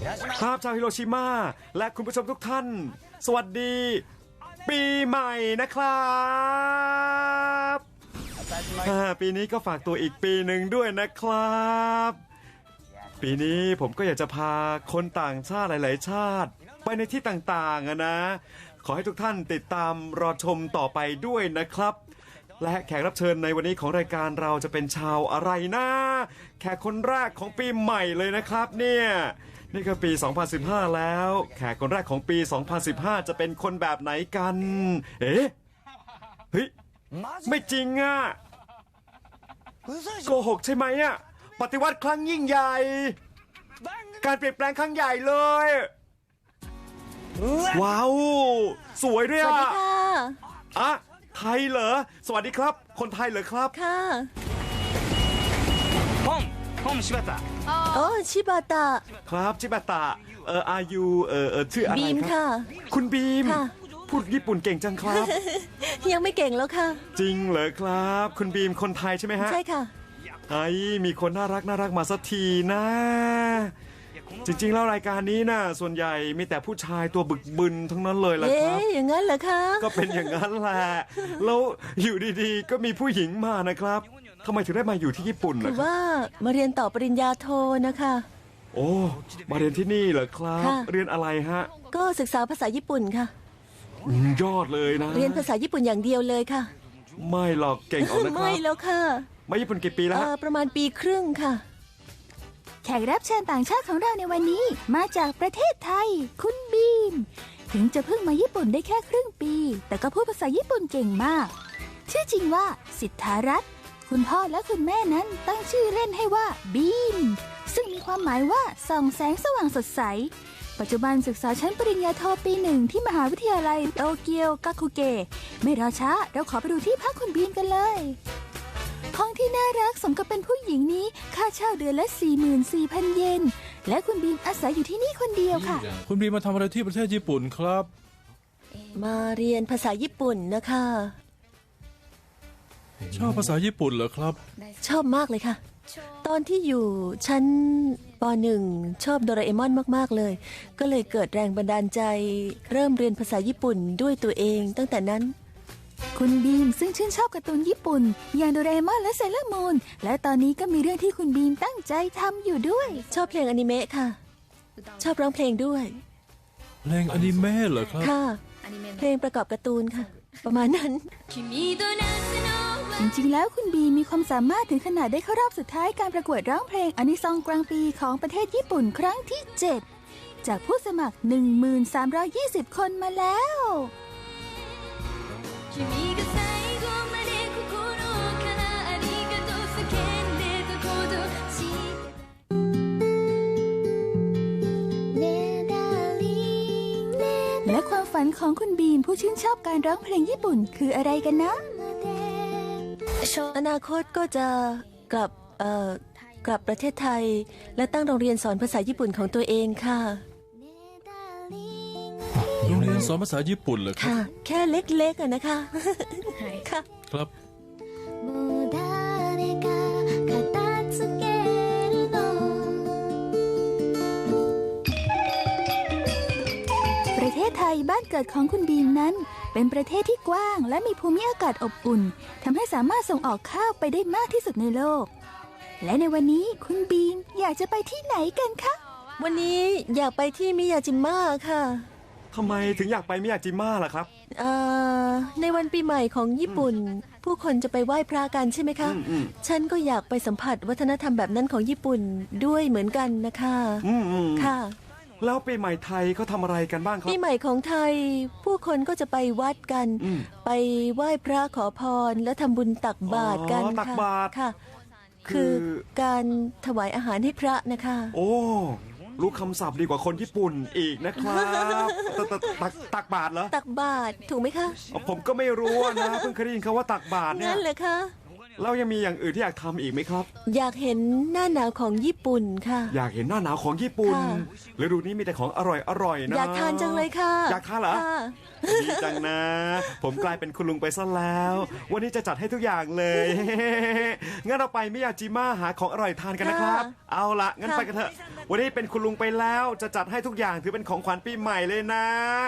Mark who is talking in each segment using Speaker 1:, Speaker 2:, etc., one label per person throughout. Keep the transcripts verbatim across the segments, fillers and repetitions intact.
Speaker 1: ครับชาวฮิโรชิมาและคุณผู้ชมทุกท่านสวัสดีปีใหม่นะครับปีนี้ก็ฝากตัวอีกปีหนึ่งด้วยนะครับปีนี้ผมก็อยากจะพาคนต่างชาติหลายๆชาติไปในที่ต่างๆนะขอให้ทุกท่านติดตามรอชมต่อไปด้วยนะครับและแขกรับเชิญในวันนี้ของรายการเราจะเป็นชาวอะไรนะแขกคนแรกของปีใหม่เลยนะครับเนี่ยนี่ก็ปี สองพันสิบห้า แล้วแขกคนแรกของปี สองพันสิบห้า จะเป็นคนแบบไหนกันเอ๊ะเฮ้ยไม่จริงอ่ะโกหกใช่ไหมอ่ะปฏิวัติครั้งยิ่งใหญ่การเปลี่ยนแปลงครั้งใหญ่เลยว้าวสวยด้วยอ่ะสวัสดีค่ะอ่ะไทยเหรอสวัสดีครับคนไทยเหรอครับ
Speaker 2: ค่ะ
Speaker 3: ポンポン柴田
Speaker 2: โอ้ชิบาตะ
Speaker 1: ครับชิบาตะเอออายุเออเออชื่ออะไรครับบีม
Speaker 2: ค่ะ
Speaker 1: คุณบีมพูดญี่ปุ่นเก่งจังครับ
Speaker 2: ยังไม่เก่งแล้วค่ะ
Speaker 1: จริงเหรอครับคุณบีมคนไทยใช่ไหมฮะ
Speaker 2: ใช่ค่ะ
Speaker 1: ไอ้มีคนน่ารักน่ารักมาสักทีนะจริงๆแล้วรายการนี้น่ะส่วนใหญ่มีแต่ผู้ชายตัวบึกบึนทั้งนั้นเลยล่ะครับ
Speaker 2: เอ๊ะอย่างนั้นเหรอคะ
Speaker 1: ก็เป็นอย่างนั้นแหละแล้วอยู่ดีๆก็มีผู้หญิงมานะครับทำไมถึงได้มาอยู่ที่ญี่ปุ่นล่ะ
Speaker 2: คือว่ามาเรียนต่อปริญญาโทนะคะ
Speaker 1: โอ้มาเรียนที่นี่เหรอครับเรียนอะไรฮะ
Speaker 2: ก็ศึกษาภาษาญี่ปุ่นค่ะ
Speaker 1: ยอดเลยนะ
Speaker 2: เรียนภาษาญี่ปุ่นอย่างเดียวเลยค่ะ
Speaker 1: ไม่หรอกเก่งออกนะครับ
Speaker 2: ไม่แล้วค่ะ
Speaker 1: มาญี่ปุ่นกี่ปีแล้ว
Speaker 2: ประมาณปีครึ่งค่ะ
Speaker 4: แขกรับเชิญต่างชาติของเราในวันนี้มาจากประเทศไทยคุณบีมถึงจะเพิ่งมาญี่ปุ่นได้แค่ครึ่งปีแต่ก็พูดภาษาญี่ปุ่นเก่งมากชื่อจริงว่าสิทธารัตน์คุณพ่อและคุณแม่นั้นตั้งชื่อเล่นให้ว่าบีมซึ่งมีความหมายว่าส่องแสงสว่างสดใสปัจจุบันศึกษาชั้นปริญญาโทปีหนึ่งที่มหาวิทยาลัยโตเกียวกาคุเกะไม่รอช้าเราขอไปดูที่พักคุณบีมกันเลยห้องที่น่ารักสมกับเป็นผู้หญิงนี้ค่าเช่าเดือนละ สี่หมื่นสี่พัน เยนและคุณบีมอาศัยอยู่ที่นี่คนเดียวค่ะ
Speaker 5: คุณบีมมาทำอะไรที่ประเทศญี่ปุ่นครับ
Speaker 2: มาเรียนภาษาญี่ปุ่นนะคะ
Speaker 5: ชอบภาษาญี่ปุ่นเหรอครับ
Speaker 2: ชอบมากเลยค่ะตอนที่อยู่ชั้นป หนึ่ง ชอบโดราเอมอนมากๆเลยก็เลยเกิดแรงบันดาลใจเริ่มเรียนภาษาญี่ปุ่นด้วยตัวเองตั้งแต่นั้น
Speaker 4: คุณบีมซึ่งชื่นชอบการ์ตูนญี่ปุ่นอย่างโดราเอมอนและเซเลอร์มูนและตอนนี้ก็มีเรื่องที่คุณบีมตั้งใจทำอยู่ด้วย
Speaker 2: ชอบเพลงอนิเมะค่ะชอบร้องเพลงด้วย
Speaker 5: เพลงอนิเมะเหรอครับ
Speaker 2: ค่ะเพลงประกอบการ์ตูนค่ะประมาณนั้น
Speaker 4: จริงๆแล้วคุณบีมีความสามารถถึงขนาดได้เข้ารอบสุดท้ายการประกวดร้องเพลงอานิซองกลางปีของประเทศญี่ปุ่นครั้งที่เจ็ดจากผู้สมัคร หนึ่งพันสามร้อยยี่สิบ คนมาแล้วและความฝันของคุณบีมผู้ชื่นชอบการร้องเพลงญี่ปุ่นคืออะไรกันนะ
Speaker 2: อนาคตก็จะกลับเอ่อกลับประเทศไทยและตั้งโรงเรียนสอนภาษาญี่ปุ่นของตัวเองค่ะ
Speaker 5: โรงเรียนสอนภาษาญี่ปุ่นเหรอครับ
Speaker 2: ค่ะแค่เล็กๆอะนะคะค่ะ
Speaker 5: ครับ
Speaker 4: ประเทศไทยบ้านเกิดของคุณบีมนั้นเป็นประเทศที่กว้างและมีภูมิอากาศอบอุ่นทำให้สามารถส่งออกข้าวไปได้มากที่สุดในโลกและในวันนี้คุณบีมอยากจะไปที่ไหนกันคะ
Speaker 2: วันนี้อยากไปที่มิยาจิมะค่ะ
Speaker 1: ทำไมถึงอยากไปมิยาจิมะล่ะครับ
Speaker 2: เอ่อในวันปีใหม่ของญี่ปุ่นผู้คนจะไปไหว้พระกันใช่ไหมคะฉันก็อยากไปสัมผัสวัฒนธรรมแบบนั้นของญี่ปุ่นด้วยเหมือนกันนะคะค่ะ
Speaker 1: แล้วปีใหม่ไทยเขาทำอะไรกันบ้างครับ
Speaker 2: ปีใหม่ของไทยผู้คนก็จะไปวัดกันไปไหว้พระขอพรและทำบุญตักบาตรกัน
Speaker 1: ตักบาตร
Speaker 2: ค่ะคือการถวายอาหารให้พระนะคะ
Speaker 1: โอ้รู้คำศัพท์ดีกว่าคนญี่ปุ่นอีกนะครับตักตักบาตรเหรอ
Speaker 2: ตักบาตรถูกไหมคะ
Speaker 1: ผมก็ไม่รู้นะเพิ่งเคยได้ยินคำว่าตักบาตรเนี่ย
Speaker 2: นั่นเหรอคะ
Speaker 1: แล้วยังมีอย่างอื่นที่อยากทำอีกไหมครับ
Speaker 2: อยากเห็นหน้าหนาวของญี่ปุ่นค่ะ
Speaker 1: อยากเห็นหน้าหนาวของญี่ปุ่น
Speaker 2: ค่ะ
Speaker 1: ฤดูนี้มีแต่ของอร่อยอร่อยนะ
Speaker 2: อยากทานจังเลยค่ะ
Speaker 1: อยากทานเหรอ
Speaker 2: ค่ะ
Speaker 1: ดีจังนะ ผมกลายเป็นคุณลุงไปซะแล้ว วันนี้จะจัดให้ทุกอย่างเลย งั้นเราไปมิยาจิมะหาของอร่อยทานกันนะครับ เอาละงั้น
Speaker 2: ค่ะ
Speaker 1: ไปกันเถอะ วันนี้เป็นคุณลุงไปแล้ว จะจัดให้ทุกอย่างถือเป็นของขวัญปีใหม่เลยนะ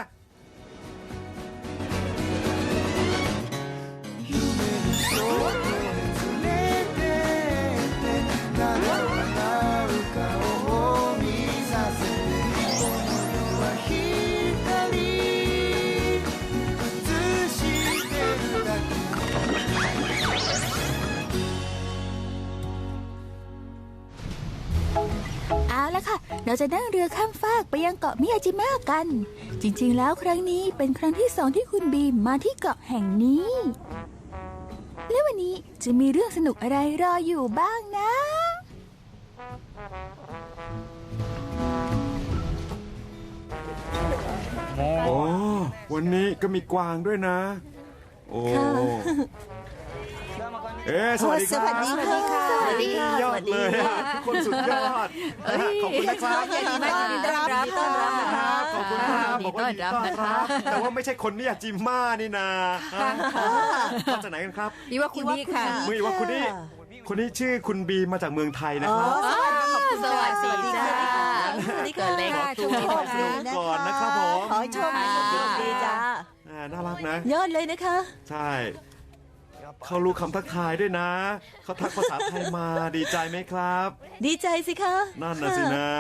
Speaker 4: เอาละค่ะ เราจะนั่งเรือข้ามฟากไปยังเกาะมิยาจิมะกัน จริงๆ แล้วครั้งนี้เป็นครั้งที่สองที่คุณบีมมาที่เกาะแห่งนี้ และวันนี้จะมีเรื่องสนุกอะไรรออยู่บ้างนะ
Speaker 1: โอ้ วันนี้ก็มีกวางด้วยนะ โอ้
Speaker 2: ค่ะ
Speaker 1: เอ๊ะสวัสดีครับ
Speaker 2: สวัสดีค่ะ
Speaker 1: สวัสดีค่ะยอดเลยอะทุกคนสุดยอดขอบคุณนะครับ
Speaker 2: ยินดีต้อนรับยินดีต้อนรับนะคะ
Speaker 1: ขอบคุณครับ
Speaker 3: ยินดี
Speaker 1: บอกว่ายินดี
Speaker 3: ต้
Speaker 1: ต้อ
Speaker 3: อน นรั
Speaker 1: รับบ แต่ว่าไม่ใช่คนมิยาจิมะนี่นามาจากไหนกันครับ
Speaker 3: พี่ว่าคุณนี่ค่ะ
Speaker 1: มือว่าคุณนี่คนนี้ชื่อคุณบีมาจากเมืองไทยนะครับ
Speaker 3: สวัสดีจ้า
Speaker 2: สวัสดี
Speaker 3: เกิ
Speaker 2: ค่ะ
Speaker 3: ดเล็ก
Speaker 1: ขอตัว
Speaker 3: โชคดี
Speaker 1: ก่อนนะครับผม
Speaker 2: ขอให้โชคดีจ้า
Speaker 1: อ่าน่ารักนะ
Speaker 2: ยอดเลยนะคะ
Speaker 1: ใช่ เขารู้คำทักทายด้วยนะ เขาทักภาษาไทยมาดีใจไหมครับ
Speaker 2: ดีใจสิคะ
Speaker 1: นั่นน่ะสินะ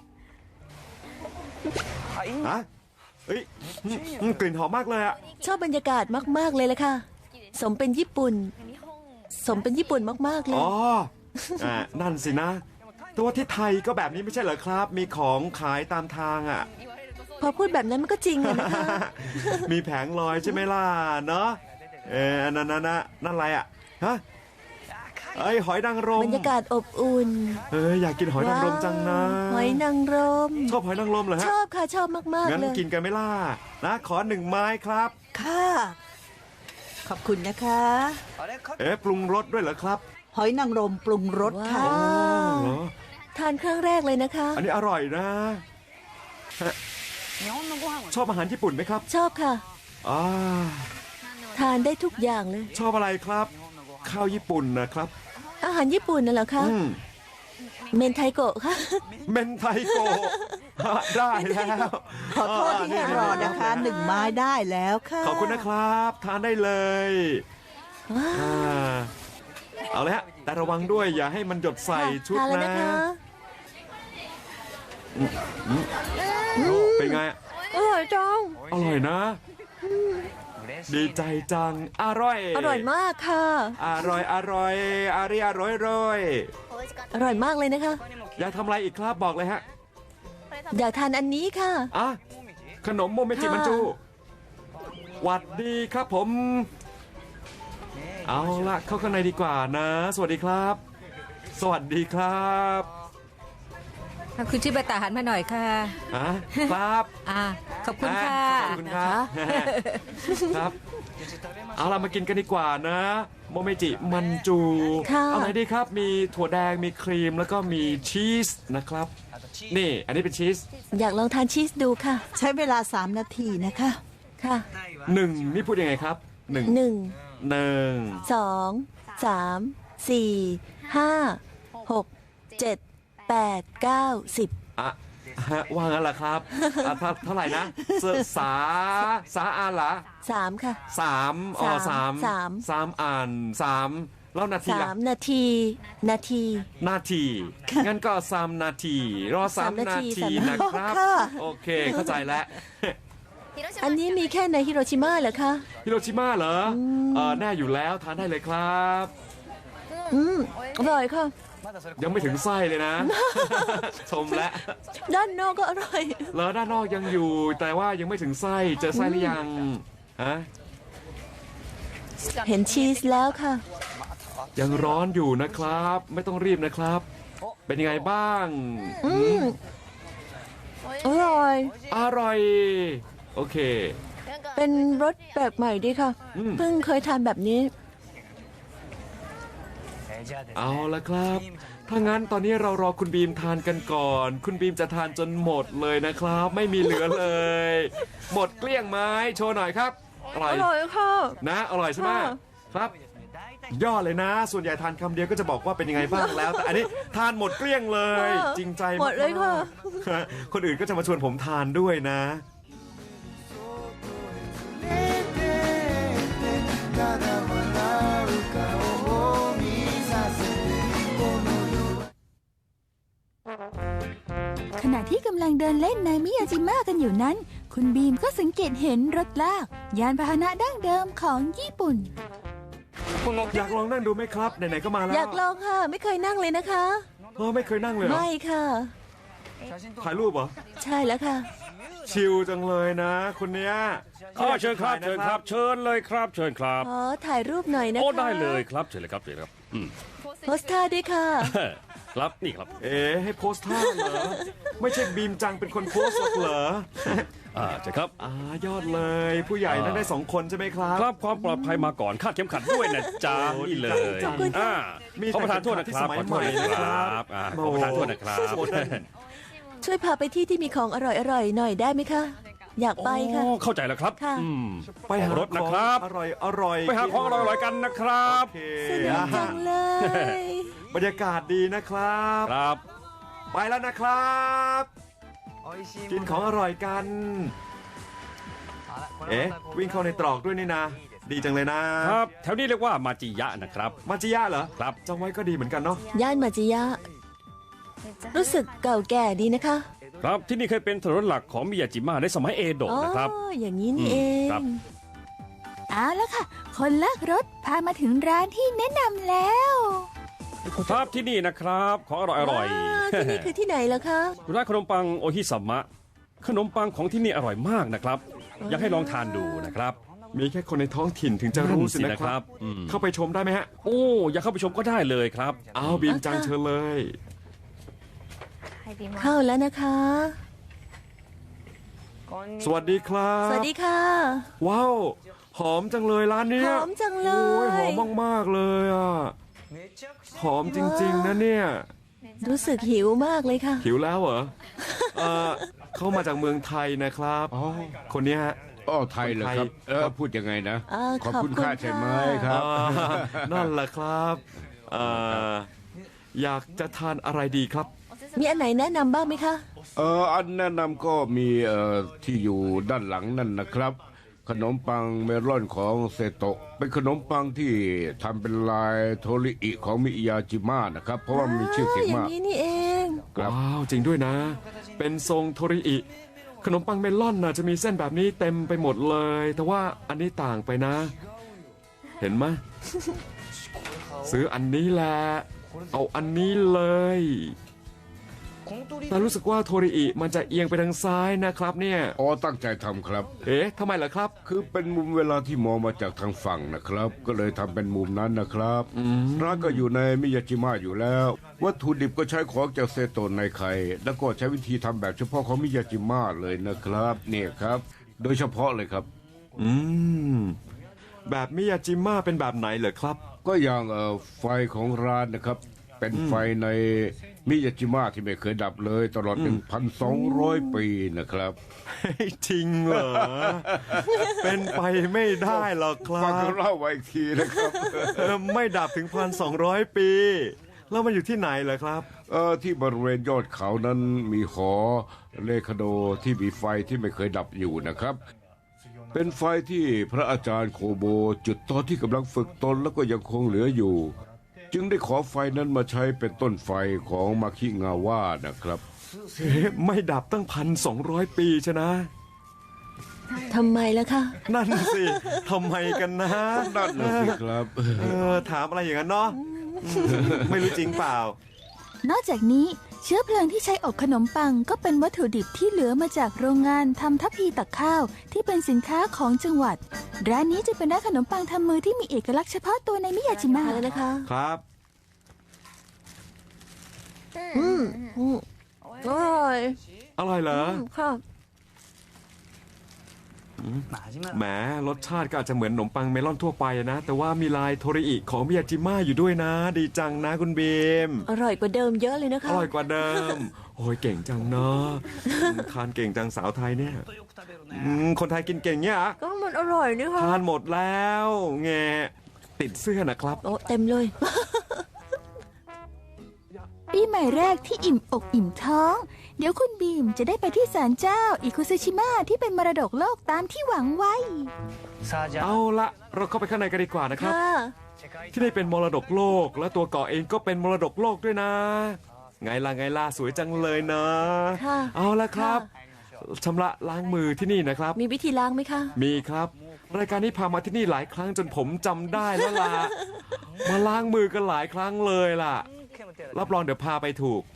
Speaker 1: ฮะเอ้ยอืมอืมกลิ่นหอมมากเลยอะ
Speaker 2: ชอบบรรยากาศมากๆเลยละค่ะ สมเป็นญี่ปุ่น สมเป็นญี่ปุ่นมากๆเลย
Speaker 1: อ๋ออ่านั่นสินะ ตัวที่ไทยก็แบบนี้ไม่ใช่เหรอครับ มีของขายตามทางอ่ะ
Speaker 2: พอพูดแบบนั้นมันก็จริงอะนะคะ
Speaker 1: มีแผงลอยใช่ไหมล่ะ เนาะเอออันนั่นนั่นนั่นนั่นอะไรอ่ะ ฮะไอยหอยนางรม
Speaker 2: บรรยากาศอบอุ่น
Speaker 1: เอออยากกินหอยนางรมจังนะ
Speaker 2: หอยนางรม
Speaker 1: ชอบหอยนางรมเหรอ
Speaker 2: ช
Speaker 1: ฮะ
Speaker 2: อบค่ะชอบมากๆ
Speaker 1: งั้น
Speaker 2: เลย
Speaker 1: กินกันไหม่ล่ะ นะ ขอหนึ่งไม้ครับ
Speaker 6: ค่ะ ขอบคุณนะคะ
Speaker 1: เอ๊ะปรุงรสด้วยเหรอครับ
Speaker 6: หอยนางรมปรุงรสค่ะ
Speaker 2: ว้าว
Speaker 1: เหรอ
Speaker 2: ทานครั้งแรกเลยนะคะ
Speaker 1: อันนี้อร่อยนะฮะชอบอาหารญี่ปุ่นไหมครับ
Speaker 2: ชอบค่ะ
Speaker 1: อ่า
Speaker 2: ทานได้ทุกอย่างเลย
Speaker 1: ชอบอะไรครับ ข้าวญี่ปุ่นนะครับ
Speaker 2: อาหารญี่ปุ่นน่ะเหรอคะ
Speaker 1: อืม
Speaker 2: เมนไทโกะค่ะ
Speaker 1: เมนไทโกะได้แล้ว
Speaker 6: ขอโทษที่ให้รอนะคะ หนึ่งไม้ได้แล้วค่ะ
Speaker 1: ขอบคุณนะครับ ทานได้เลย
Speaker 2: ว้าว
Speaker 1: อ่าเอาเลยฮะ แต่ระวังด้วยอย่าให้มันหยดใส่ชุด
Speaker 2: ทานแล้ว
Speaker 1: นะ
Speaker 2: นะคะ
Speaker 1: เป็นไง
Speaker 2: อร่อยจัง
Speaker 1: อร่อยนะ ดีใจจัง อร่อย
Speaker 2: อร่อยมากค่ะ
Speaker 1: อร่อย อร่อยอาริอร่อยร่อย
Speaker 2: อร่อยมากเลยนะคะ
Speaker 1: อยากทำอะไรอีกครับบอกเลยฮะ
Speaker 2: อยากทานอันนี้ค่ะ
Speaker 1: อ่ะ ขนมโมเมจิ
Speaker 2: ค่ะ
Speaker 1: มันจูหวัดดีครับผม เอาละเข้าข้างในดีกว่านะ สวัสดีครับ สวัสดีครับ
Speaker 3: คุณชิบะตาหันมาหน่อยค่ะ
Speaker 1: ฮะครับ
Speaker 3: อ่า ขอบคุณค่ะ
Speaker 1: ขอบคุณครับ ครับ เอาล่ะมากินกันดีกว่านะ โมเมจิมันจู
Speaker 2: ค่ะ
Speaker 1: เอาไหนดีครับ มีถั่วแดง มีครีม แล้วก็มีชีสนะครับ นี่ อันนี้เป็นชีส
Speaker 2: อยากลองทานชีสดูค่ะ
Speaker 6: ใช้เวลาสามนาทีนะคะ
Speaker 2: ค่ะ
Speaker 1: หนึ่งนี่พูดยังไงครับหนึ่ง
Speaker 2: หนึ่ง
Speaker 1: หนึ่ง
Speaker 2: สอง สาม สี่ ห้า หก เจ็ด แปด เก้า สิบ
Speaker 1: อ่ะฮะว่างั้นเหรอครับอ่ะเท่าเท่าไหร่นะเสสาสาอ่านเหรอ
Speaker 2: สามค่ะ
Speaker 1: สามอ๋อสาม
Speaker 2: สาม
Speaker 1: สามอ่านสามแล้วนาที
Speaker 2: สา
Speaker 1: ล่ะ
Speaker 2: มนาที นาที
Speaker 1: นาที งั้นก็สามนาที รอสาม
Speaker 2: สามนา
Speaker 1: นา
Speaker 2: ที
Speaker 1: ที
Speaker 2: สาม
Speaker 1: นะครับ
Speaker 6: ค่ะ
Speaker 1: โอเค เข้าใจแล้ว
Speaker 2: อันนี้มีแค่ในฮิโรชิมาเหรอคะ
Speaker 1: ฮิโรชิมาเหรอเออแน่อยู่แล้วทานได้เลยครับ
Speaker 2: อืม อร่อยค่ะ
Speaker 1: ยังไม่ถึงไส้เลยนะ ชมแล้ว
Speaker 2: ด้านนอกก็อร่อย
Speaker 1: แล้วด้านนอกยังอยู่ แต่ว่ายังไม่ถึงไส้ เจอไส้หรือยังฮะ
Speaker 2: เห็นชีสแล้วค่ะ
Speaker 1: ยังร้อนอยู่นะครับ ไม่ต้องรีบนะครับ เป็นยังไงบ้าง
Speaker 2: อืม อร่อย
Speaker 1: อร่อย โอเค
Speaker 2: เป็นรสแปลกใหม่ดีค่ะ
Speaker 1: อืม
Speaker 2: เพิ่งเคยทานแบบนี้
Speaker 1: เอาละครับ ถ้างั้นตอนนี้เรารอคุณบีมทานกันก่อน คุณบีมจะทานจนหมดเลยนะครับ ไม่มีเหลือเลย หมดเกลี้ยงไหม้โชว์หน่อยครับอร่อย
Speaker 2: อร่อยค่ะ
Speaker 1: นะอร่อยใช่ไหม
Speaker 2: ค่ะ
Speaker 1: ครับ ยอดเลยนะ ส่วนใหญ่ทานคำเดียวก็จะบอกว่าเป็นยังไงบ้างแล้ว แต่อันนี้ทานหมดเกลี้ยงเลย จริงใจากๆ
Speaker 2: หมดเลยค่ะ
Speaker 1: คนอื่นก็จะมาชวนผมทานด้วยนะ
Speaker 4: ขณะที่กำลังเดินเล่นในมิยาจิมะกันอยู่นั้น คุณบีมก็สังเกตเห็นรถลาก ยานพาหนะดั้งเดิมของญี่ปุ่น
Speaker 1: อยากลองนั่งดูไหมครับไหนๆก็มาแล้ว
Speaker 2: อยากลองค่ะ ไม่เคยนั่งเลยนะคะ
Speaker 1: เออไม่เคยนั่งเลยเหรอ
Speaker 2: ไม่ค่ะ
Speaker 1: ถ่ายรูปเหรอ
Speaker 2: ใช่แล้วค่ะ
Speaker 1: ชิลจังเลยนะคนเนี้ย
Speaker 7: อ๋อเชิญครับเชิญครับ เชิญเลยครับ เชิญครับ
Speaker 2: ขอถ่ายรูปหน่อยนะคะ
Speaker 7: โอ้ได้เลยครับเชิญเลยครับเชิญเลยครับอืม
Speaker 2: โพสท่าด้วยค่ะ
Speaker 7: ครับนี่ครับ
Speaker 1: เอ๊ะให้โพสท่าเหรอ ไม่ใช่บีมจังเป็นคนโพสหรอกเหรอ
Speaker 7: อ่าเชิญครับ
Speaker 1: อ่ายอดเลย ผู้ใหญ่นั่งได้สองคนใช่ไหมครับ
Speaker 7: ครับความปลอดภัยมาก่อนคาดเข็มขัดด้วยนะจ๊ะ
Speaker 1: โอ้
Speaker 7: นี่เลย
Speaker 1: ขอบคุณค่ะ
Speaker 7: อ่า
Speaker 1: มี
Speaker 7: ขอประทานโทษนะครับ
Speaker 1: แต่
Speaker 7: ขอโทษนะ
Speaker 1: สมัยใหม่
Speaker 7: ค
Speaker 1: นะครั
Speaker 7: รับ บอ่าขอประทานโทษนะครับ
Speaker 1: โอ้โห
Speaker 2: ช่วยพาไปที่ที่มีของอร่อยๆหน่อยได้ไหมคะ อยากไปค่ะ
Speaker 7: โอ้เข้าใจแล้วครับ
Speaker 2: ค่ะ
Speaker 7: อืม
Speaker 1: ไปหาร
Speaker 7: ถนะครับ
Speaker 1: อร่อยอร่อย
Speaker 7: ไปหาของอร่อยๆกันนะครับ
Speaker 1: โอเค
Speaker 2: สนุกจังเลย
Speaker 1: บรรยากาศดีนะครับ
Speaker 7: ครับ
Speaker 1: ไปแล้วนะครับ กินของอร่อยกัน เอ๊ะ วิ่งเข้าในตรอกด้วยนี่นะ ดีจังเลยนะ
Speaker 7: ครับแถวนี้เรียกว่ามาจิยะนะครับ
Speaker 1: มาจิยะเหรอ
Speaker 7: ครับ
Speaker 1: จำไว้ก็ดีเหมือนกันเนาะ
Speaker 2: ย่านมาจิยะ รู้สึกเก่าแก่ดีนะคะ
Speaker 7: ครับที่นี่เคยเป็นถนนหลักของมิยาจิมะในสมัยเอโดะ
Speaker 2: อ๋อ
Speaker 7: นะครับ
Speaker 2: อย่างนี้นี่เอ
Speaker 7: ครั
Speaker 2: ง
Speaker 7: บ
Speaker 4: เอาละค่ะ คนลากรถพามาถึงร้านที่แนะนำแล้ว
Speaker 7: ครับที่นี่นะครับของอร่อยอร่อย
Speaker 2: าที่นี่คือที่ไหนเหรอคะ
Speaker 7: ร้านขนมปังโอฮิสามะขนมปังของที่นี่อร่อยมากนะครับ อยากให้ลองทานดูนะครับ
Speaker 1: มีแค่คนในท้องถิ่นถึงจะรู้สินะค
Speaker 7: นั่นสินะครั
Speaker 1: รับ
Speaker 7: บอืม
Speaker 1: เข้าไปชมได้ไหมฮะ
Speaker 7: โอ้อยากเข้าไปชมก็ได้เลยครับ
Speaker 1: อ้าวบีมจัง
Speaker 2: อ่ะค่ะ
Speaker 1: เชิญเลย
Speaker 2: เข้าแล้วนะคะ
Speaker 1: สวัสดีครับ
Speaker 2: สวัสดีค่ะ
Speaker 1: ว้าว หอมจังเลยร้านเนี้ย
Speaker 2: หอมจังเลย
Speaker 1: โอ้ยหอมมากๆเลยอ่ะ หอมจริงๆนะเนี่ย
Speaker 2: รู้สึกหิวมากเลยค่ะ
Speaker 1: หิวแล้วเหรอ เออเขามาจากเมืองไทยนะครับ
Speaker 8: อ๋อ
Speaker 1: คนเนี้ยฮะ
Speaker 8: อ๋อไทยเหรอครับ
Speaker 1: คนไทย
Speaker 8: เออพูดยังไงนะ
Speaker 2: เอ่อ
Speaker 8: ขอบคุณ
Speaker 2: ขอบคุณ
Speaker 8: ค่าใช่ไหม
Speaker 2: ค่ะ
Speaker 8: ครับ
Speaker 1: อ่านั่นแหละครับเอ่ออยากจะทานอะไรดีครับ
Speaker 2: มีอันไหนแนะนำบ้างไหมคะ
Speaker 8: เอออันแนะนำก็มีเอ่อที่อยู่ด้านหลังนั่นนะครับ ขนมปังเมลอนของเซโตะเป็นขนมปังที่ทำเป็นลายโทริอิของมิยาจิมะนะครับ เพราะว่ามีชื่อเสียง
Speaker 2: ย่าง
Speaker 8: มาก
Speaker 2: นี้นี่เอง
Speaker 8: ครับ
Speaker 1: ว้าว จริงด้วยนะ เป็นทรงโทริอิ ขนมปังเมลอนน่ะจะมีเส้นแบบนี้เต็มไปหมดเลย แต่ว่าอันนี้ต่างไปนะ เห็นไหม ซื้ออันนี้แหละ เอาอันนี้เลย แต่รู้สึกว่าโทริอิมันจะเอียงไปทางซ้ายนะครับเนี่ย
Speaker 8: อ๋อตั้งใจทำครับ
Speaker 1: เอ๊ะทำไมล่ะครับ
Speaker 8: คือเป็นมุมเวลาที่มองมาจากทางฝั่งนะครับ ก็เลยทำเป็นมุมนั้นนะครับร้านก็อยู่ในมิยาจิมะอยู่แล้ว วัตถุดิบก็ใช้ของจากเซโตะในไคแล้วก็ใช้วิธีทำแบบเฉพาะของมิยาจิมะเลยนะครับเนี่ยครับ โดยเฉพาะเลยครับ
Speaker 1: อืม แบบมิยาจิมะเป็นแบบไหนเหรอครับ
Speaker 8: ก็อย่างเอ่อไฟของร้านนะครับ เป็นไฟในมิยาจิมะที่ไม่เคยดับเลยตลอด หนึ่งพันสองร้อย ปีนะครับ
Speaker 1: จริงเหรอ เป็นไปไม่ได้หรอกครั
Speaker 8: ฟังเขา
Speaker 1: บ
Speaker 8: เล่าไว้อีกทีนะครับ
Speaker 1: เออไม่ดับถึงพันสองร้อยปี แล้วมันอยู่ที่ไหนเหรอครับ
Speaker 8: เออที่บริเวณยอดเขานั้นมีหอเลคาโดที่มีไฟที่ไม่เคยดับอยู่นะครับ เป็นไฟที่พระอาจารย์โคโบจุดตอนที่กำลังฝึกตนแล้วก็ยังคงเหลืออยู่ จึงได้ขอไฟนั้นมาใช้เป็นต้นไฟของมาคิงาว่านะครับ
Speaker 1: เอ๊ะไม่ดับตั้งพันสองร้อยปีชนะ
Speaker 2: ทำไมล่ะคะ
Speaker 1: นั่นสิทำไมกันนะ
Speaker 8: นั่นนะสิครับ
Speaker 1: เออถามอะไรอย่างนั้นเนาะอืมไม่รู้จริงเปล่า
Speaker 4: นอกจากนี้เชื้อเพลิงที่ใช้อบขนมปังก็เป็นวัตถุดิบที่เหลือมาจากโรงงานทำทัพพีตักข้าว ที่เป็นสินค้าของจังหวัด ร้านนี้จะเป็นร้านขนมปังทำมือที่มีเอกลักษณ์เฉพาะตัวในมิยาจิมะ
Speaker 2: มาแล้วนะคะ
Speaker 1: ครับ
Speaker 2: อืมอืมอร่อย
Speaker 1: อร่อยเหรอ
Speaker 2: ค่ะ
Speaker 1: แหมรสชาติก็อาจจะเหมือนขนมปังเมลอนทั่วไปนะ แต่ว่ามีลายโทริอิของมิยาจิมะอยู่ด้วยนะ ดีจังนะคุณบีม
Speaker 2: อร่อยกว่าเดิมเยอะเลยนะคะ
Speaker 1: อร่อยกว่าเดิม โอ้ยเก่งจังเนาะทานเก่งจังสาวไทยเนี่ยอืมคนไทยกินเก่งเนี่ยเหรอ
Speaker 2: ก็มันอร่อยนี่ค่ะ
Speaker 1: ทานหมดแล้วแงติดเสื้อนะครับ
Speaker 2: โอ้เต็มเลย
Speaker 4: ปีใหม่แรกที่อิ่มอกอิ่มท้อง เดี๋ยวคุณบีมจะได้ไปที่ศาลเจ้าอิคุซึชิมะที่เป็นมรดกโลกตามที่หวังไว้
Speaker 1: เอาละเราเข้าไปข้างในกันดีกว่านะครับ
Speaker 2: ค่ะ
Speaker 1: ที่นี่เป็นมรดกโลก และตัวเกาะเองก็เป็นมรดกโลกด้วยนะ ไงล่ะไงล่ะสวยจังเลยนะ
Speaker 2: ค่ะ
Speaker 1: เอาละครับชำระล้างมือที่นี่นะครับ
Speaker 2: มีวิธีล้างไหมคะ
Speaker 1: มีครับ รายการนี้พามาที่นี่หลายครั้งจนผมจำได้แล้วล่ะ มาล้างมือกันหลายครั้งเลยล่ะ รับรองเดี๋ยวพาไปถูก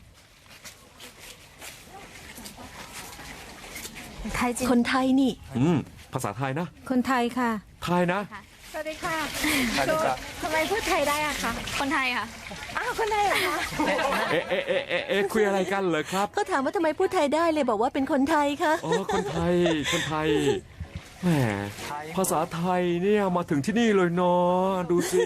Speaker 2: คนไทยนี่
Speaker 1: อืมภาษาไทยนะ
Speaker 3: คนไทยค่ะ
Speaker 1: ไทยนะ
Speaker 9: สวัสดีค่ะทำไมพูดไทยได้อะคะ คนไทยค่ะ อ้าว คนไทยเหรอคะ
Speaker 1: เอ๊ะเอ๊ะเอ๊ะเอ๊ะเอ๊ะคุยอะไรกันเหรอครับ
Speaker 2: ก็ถามว่าทำไมพูดไทยได้เลยบอกว่าเป็นคนไทยค่ะ
Speaker 1: อ๋อคนไทย คนไทย แหม ภาษาไทยเนี่ยมาถึงที่นี่เลยเนาะ ดูสิ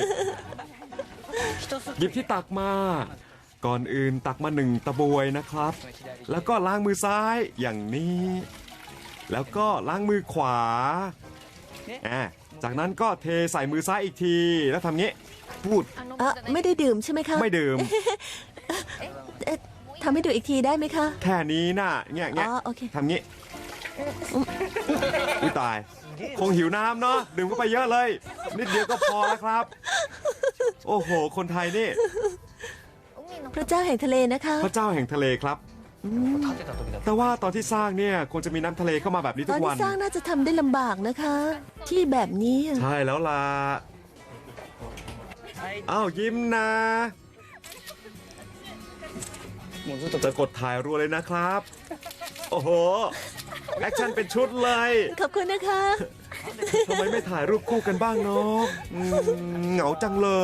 Speaker 1: หยิบที่ตักมา ก่อนอื่นตักมาหนึ่งตะบวยนะครับ แล้วก็ล้างมือซ้ายอย่างนี้ แล้วก็ล้างมือขวาอ่าจากนั้นก็เทใส่มือซ้ายอีกที แล้วทำงี้ พูด
Speaker 2: เอ่อไม่ได้ดื่มใช่ไหมคะ
Speaker 1: ไม่ดื่ม
Speaker 2: เอ๊ะทำให้ดูอีกทีได้ไหมคะ
Speaker 1: แค่นี้น่ะเงี้ยเงี้ย
Speaker 2: อ๋อโอเค
Speaker 1: ทำงี้อุ้ยตาย คงหิวน้ำเนาะดื่มเข้าไปเยอะเลย นิดเดียวก็พอแล้วครับ โอ้โห คนไทยนี่
Speaker 2: พระเจ้าแห่งทะเลนะคะ
Speaker 1: พระเจ้าแห่งทะเลครับ แต่ว่าตอนที่สร้างเนี่ยควรจะมีน้ำทะเลเข้ามาแบบนี้
Speaker 2: ต
Speaker 1: ทุ
Speaker 2: อน
Speaker 1: กวั
Speaker 2: ที่
Speaker 1: น
Speaker 2: สร้างน่าจะทำได้ลำบากนะคะ ที่แบบนี้
Speaker 1: ใช่แล้วล่ะอ้าวยิ้มนะ จะกดถ่ายรัวเลยนะครับ โอ้โห แอคชั่นเป็นชุดเลย
Speaker 2: ขอบคุณนะคะ
Speaker 1: ทำไมไม่ถ่ายรูปคู่กันบ้างเนาะอืมเหงาจังเลย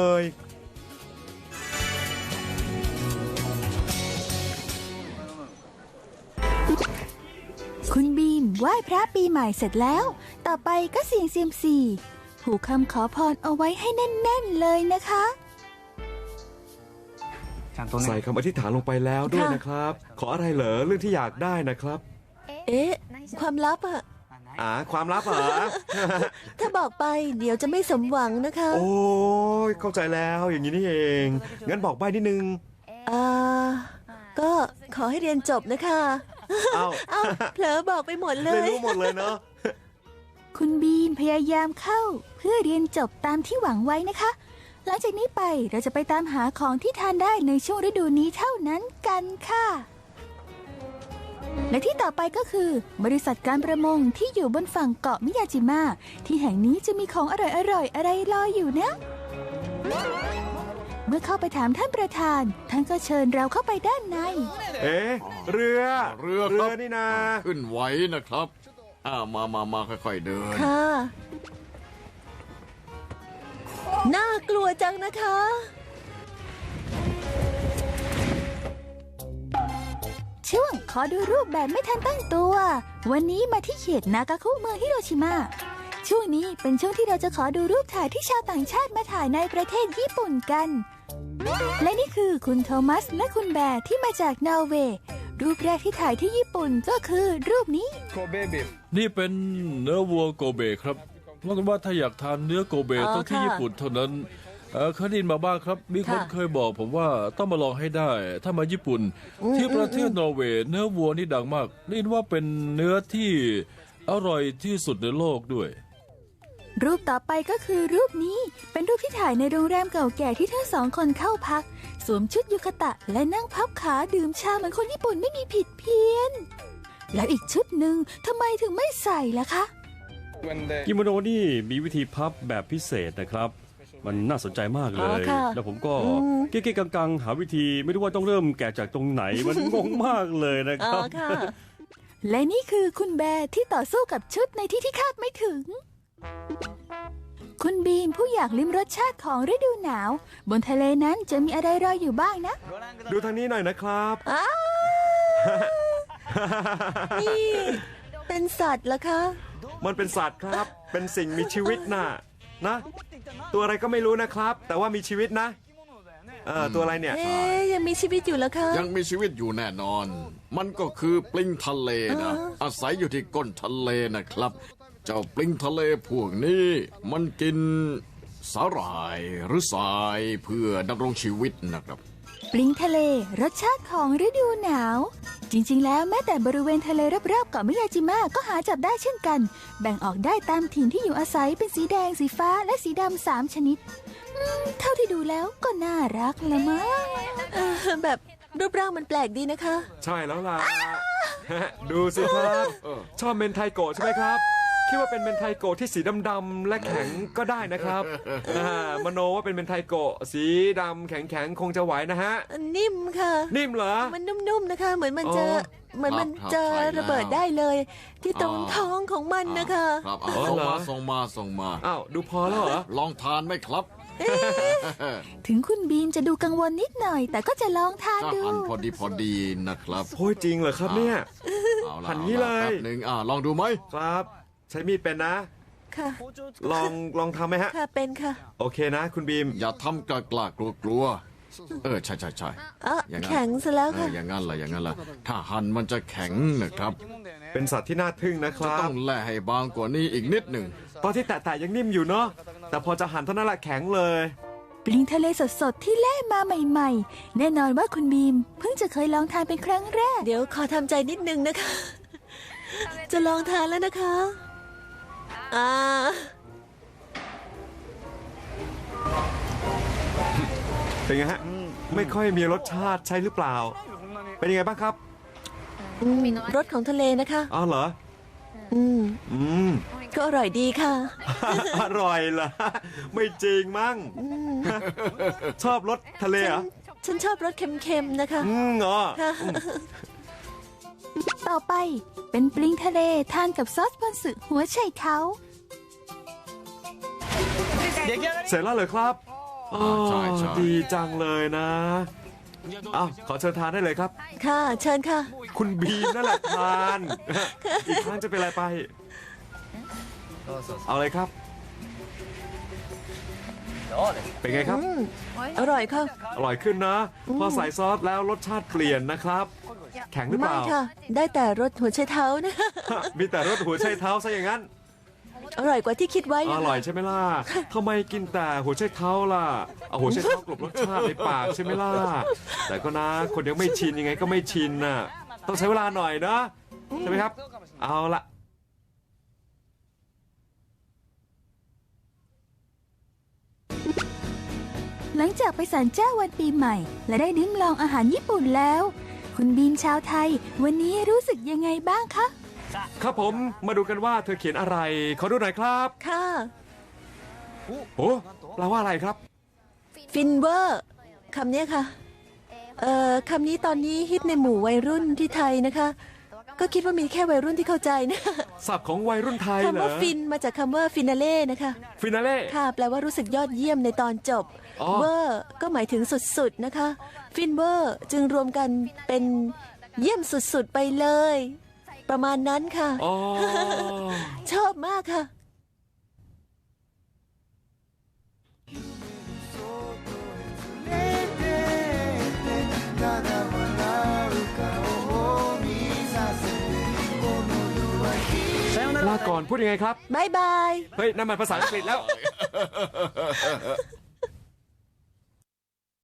Speaker 4: คุณบีมไหว้พระปีใหม่เสร็จแล้ว ต่อไปก็เสี่ยงเซียมซีผูกคำขอพรเอาไว้ให้แน่น ๆ เลยนะคะ
Speaker 1: ใส่คำอธิษฐานลงไปแล้วด้วย
Speaker 2: ค่ะ
Speaker 1: นะครับ ขออะไรเหรอเรื่องที่อยากได้นะครับ
Speaker 2: เอ๊ะ ความลับอะ
Speaker 1: อ่าความลับเหรอ
Speaker 2: ถ้าบอกไปเดี๋ยวจะไม่สมหวังนะคะ
Speaker 1: โอ้ยเข้าใจแล้วอย่างนี้นี่เอง งั้นบอกใบ้นิดนึง
Speaker 2: อ่า ก็ขอให้เรียนจบนะคะ
Speaker 1: เอ้า
Speaker 2: เอ้าเผลอบอกไปหมดเล
Speaker 1: เลย
Speaker 2: ย
Speaker 1: รู้หมดเลยเนาะ
Speaker 4: คุณบีมพยายามเข้าเพื่อเรียนจบตามที่หวังไว้นะคะ หลังจากนี้ไปเราจะไปตามหาของที่ทานได้ในช่วงฤดูนี้เท่านั้นกันค่ะ และที่ต่อไปก็คือ บริษัทการประมงที่อยู่บนฝั่งเกาะมิยาจิมะที่แห่งนี้จะมีของอร่อยๆอะไรรออยู่นะ เมื่อเข้าไปถามท่านประธาน ท่านก็เชิญเราเข้าไปด้านใน
Speaker 1: เอ๊ะเรือ
Speaker 10: เรือครับ
Speaker 1: นี่นา
Speaker 10: ขึ้นไหวนะครับอ่ามามามาค่อยๆเดิน
Speaker 2: ค่ะ น่ากลัวจังนะคะ
Speaker 4: ช่วงขอดูรูปแบบไม่ทันตั้งตัว วันนี้มาที่เขตนากาคุเมืองฮิโรชิมา ช่วงนี้เป็นช่วงที่เราจะขอดูรูปถ่ายที่ชาวต่างชาติมาถ่ายในประเทศญี่ปุ่นกัน และนี่คือคุณโทมัสและคุณแบร์ที่มาจากนอร์เวย์ รูปแรกที่ถ่ายที่ญี่ปุ่นก็คือรูปนี้
Speaker 5: นี่เป็นเนื้อวัวโกเบครับว่ากันว่าถ้าอยากทานเนื้อโกเบ
Speaker 2: อ๋อ
Speaker 5: ต้องที่
Speaker 2: ค่ะ
Speaker 5: ญี่ปุ่นเท่านั้นเอ่อเคยได้ยินมาบ้างครับ มีคน
Speaker 2: ค่ะ
Speaker 5: เคยบอกผมว่าต้องมาลองให้ได้ ถ้ามาญี่ปุ่น
Speaker 2: อืม
Speaker 5: ที่ประเทศ
Speaker 2: อืม
Speaker 5: นอร์เวย์เนื้อวัวนี่ดังมากได้ยินว่าเป็นเนื้อที่อร่อยที่สุดในโลกด้วย
Speaker 4: รูปต่อไปก็คือรูปนี้เป็นรูปที่ถ่ายในโรงแรมเก่าแก่ที่ทั้งสองคนเข้าพัก สวมชุดยูคาตะและนั่งพับขาดื่มชาเหมือนคนญี่ปุ่นไม่มีผิดเพี้ยน แล้วอีกชุดหนึ่งทำไมถึงไม่ใส่ล่ะคะ
Speaker 7: กิโมโนนี่มีวิธีพับแบบพิเศษนะครับ มันน่าสนใจมากเล
Speaker 2: อ๋อย ค่ะ
Speaker 7: แล้วผมก็
Speaker 2: อืม
Speaker 7: เก๊ๆกังๆ หาวิธีไม่รู้ว่าต้องเริ่มแกะจากตรงไหน มันงงมากเลยนะค
Speaker 2: อ๋อ
Speaker 7: รับ
Speaker 2: ค่ะ
Speaker 4: และนี่คือคุณแบร์ที่ต่อสู้กับชุดในที่ที่คาดไม่ถึง คุณบีมผู้อยากลิ้มรสชาติของฤดูหนาว บนทะเลนั้นจะมีอะไรรออยู่บ้างนะ
Speaker 1: ดูทางนี้หน่อยนะครับ
Speaker 2: อ้าวนี่เป็นสัตว์เหรอคะ
Speaker 1: มันเป็นสัตว์ครับ เป็นสิ่งมีชีวิตน่ะนะ ตัวอะไรก็ไม่รู้นะครับ แต่ว่ามีชีวิตนะเออตัวอะไรเนี่ย
Speaker 2: เอ๊ยยังมีชีวิตอยู่แล้วคะ
Speaker 10: ยังมีชีวิตอยู่แน่นอน มันก็คือปลิงทะเลนะ อาศัยอยู่ที่ก้นทะเลนะครับ เจ้าปลิงทะเลพวกนี้มันกินสาหร่ายหรือทรายเพื่อดำรงชีวิตนะครับ
Speaker 4: ปลิงทะเลรสชาติของฤดูหนาว จริงๆ แล้วแม้แต่บริเวณทะเลรอบๆเกาะมิยาจิมะก็หาจับได้เช่นกัน แบ่งออกได้ตามถิ่นที่อยู่อาศัยเป็นสีแดงสีฟ้าและสีดำสามชนิดอืมเท่าที่ดูแล้วก็น่ารักละมั้ง
Speaker 2: เออแบบรูปร่างมันแปลกดีนะคะ
Speaker 1: ใช่แล้วล่ะ ดูสิครับ ชอบเมนไทโกะใช่ไหมครับ คิดว่าเป็นเมนไทโกะที่สีดำๆและแข็งก็ได้นะครับอ่ามโนว่าเป็นเมนไทโกะสีดำแข็งๆคงจะไหวนะฮะ
Speaker 2: นิ่มค่ะ
Speaker 1: นิ่มเหรอ
Speaker 2: มันนุ่มๆนะคะ เหมือนมันจะ
Speaker 1: อ๋อ
Speaker 2: เหมือนมัน
Speaker 10: ครับ
Speaker 2: จะ
Speaker 10: ใช่แล้ว
Speaker 2: ระเบิดได้เลย ที่ตรง
Speaker 10: อ่า
Speaker 2: ท้องของมันนะคะ
Speaker 10: ครับอ่ะ
Speaker 1: อ๋อ
Speaker 10: ส่ง
Speaker 1: เหรอ
Speaker 10: มาส่งมาส่งมา
Speaker 1: อ้าวดูพอแล้วเหรอ
Speaker 10: ลองทานไหมครับ
Speaker 4: ถึงคุณบีมจะดูกังวลนิดหน่อย แต่ก็จะลองทาน
Speaker 10: ก็
Speaker 4: ดู
Speaker 10: หั่นพอดีพอดีนะครับ
Speaker 1: โอ้ยจริงเหรอครับเนี่ย
Speaker 10: เอาละ
Speaker 1: หั่นงี้เลย
Speaker 10: อาะแป๊บหนึ่งอ่าลองดูไหม
Speaker 1: ครับ ใช้มีดเป็นนะ
Speaker 2: ค่ะ
Speaker 1: ลองลองทำไหมฮะ
Speaker 2: ค่ะเป็นค่ะ
Speaker 1: โอเคนะ คุณบีม
Speaker 10: อย่าทำกล้ากล้ากลัวกลัวๆเออใช่ใช่ใช่
Speaker 2: อ่ะ
Speaker 10: อย่างนั้น
Speaker 2: แข็งซะแล้ว
Speaker 10: เอ
Speaker 2: ค่ะ
Speaker 10: ออย่างนั้นแหละอย่างนั้นแหละถ้าหั่นมันจะแข็งนะครับ
Speaker 1: เป็นสัตว์ที่น่าทึ่งนะค
Speaker 10: จะ
Speaker 1: รั
Speaker 10: ต้
Speaker 1: บ
Speaker 10: องแล่ให้บางกว่านี้อีกนิดหนึ่ง
Speaker 1: ตอนที่แตะๆยังนิ่มอยู่เนาะ แต่พอจะหั่นเท่านั้นแหละแข็งเลย
Speaker 4: ปลิงทะเลสดๆที่แล่มาใหม่ๆ แน่นอนว่าคุณบีม เพิ่งจะเคยลองทานเป็นครั้งแรก
Speaker 2: เดี๋ยวขอทำใจนิดนึงนะคะ จะลองทานแล้วนะคะ อ่า
Speaker 1: เป็นไงฮะ ไม่ค่อยมีรสชาติใช่หรือเปล่า เป็นยังไงบ้างครับ
Speaker 2: อืมรสของทะเลนะคะ
Speaker 1: อ้าวเหรอ
Speaker 2: อืม
Speaker 1: อืม
Speaker 2: ก็อร่อยดีค่ะ
Speaker 1: อร่อยเหรอ ไม่จริงมั้ง ชอบรสทะเลเหรอ
Speaker 2: ฉันชอบรสเค็มๆนะคะ
Speaker 1: อืมเหรอ
Speaker 2: ค่ะ
Speaker 4: ต่อไปเป็นปลิงทะเลทานกับซอสพอนสึหัวไชเท้า
Speaker 1: เสร็จแล้วเหรอครับอ๋อ
Speaker 10: ใช่ใช่
Speaker 1: ดีจังเลยนะอ้าวขอเชิญทานได้เลยครับ
Speaker 2: ค่ะ เชิญค่ะ
Speaker 1: คุณบีมนั่นแหละทาน อีกครั้งจะเป็นอะไรไป เอาเลยครับ เป็นไงครับ
Speaker 2: อืม อร่อยค่ะ
Speaker 1: อร่อยขึ้นนะ พอใส่ซอสแล้วรสชาติเปลี่ยนนะครับ แข็งหรือเป
Speaker 2: ไม่
Speaker 1: ล่า
Speaker 2: ค่ะ ได้แต่รสหัวไชเท้านะ
Speaker 1: มีแต่รสหัวไชเท้าซะอย่างนั้น
Speaker 2: อร่อยกว่าที่คิดไว้
Speaker 1: อ
Speaker 2: นะคะ
Speaker 1: ร่อยใช่ไหมล่ะทำไมกินแต่หัวไชเท้าล่ะ เอาหัวไชเท้ากลบรสชาติในปากใช่ไหมล่ะ แต่ก็นะ คนยังไม่ชินยังไงก็ไม่ชินน่ะ ต้องใช้เวลาหน่อยนะ ใช่ไหมครับ เอาละ
Speaker 4: หลังจากไปศาลเจ้าวันปีใหม่ และได้ลิ้มลองอาหารญี่ปุ่นแล้ว คุณบีมชาวไทย วันนี้รู้สึกยังไงบ้างคะ
Speaker 1: ครับผมมาดูกันว่าเธอเขียนอะไร ขอดูหน่อยครับ
Speaker 2: ค่ะ
Speaker 1: โอ้แปลว่าอะไรครับ
Speaker 2: ฟินเวอร์คำเนี้ยค่ะ เอ่อคำนี้ตอนนี้ฮิตในหมู่วัยรุ่นที่ไทยนะคะ ก็คิดว่ามีแค่วัยรุ่นที่เข้าใจนะ
Speaker 1: ศัพท์ของวัยรุ่นไทยเหร
Speaker 2: คำ
Speaker 1: อ
Speaker 2: ว่าฟินมาจากคำว่าฟินาเล่นะคะ
Speaker 1: ฟินาเล่
Speaker 2: ค่ะ แปลว่ารู้สึกยอดเยี่ยมในตอนจบ
Speaker 1: อ๋อ
Speaker 2: เวอร์ก็หมายถึงสุดๆนะคะ ฟินเวอร์จึงรวมกันเป็นเยี่ยมสุดๆไปเลย ประมาณนั้นค่ะ
Speaker 1: อ๋อ
Speaker 2: ชอบมากค่ะ
Speaker 1: ลาก่อนพูดยังไงครับ
Speaker 2: บ๊ายบาย
Speaker 1: เฮ้ยนั่นมันภาษาอังกฤษแล้ว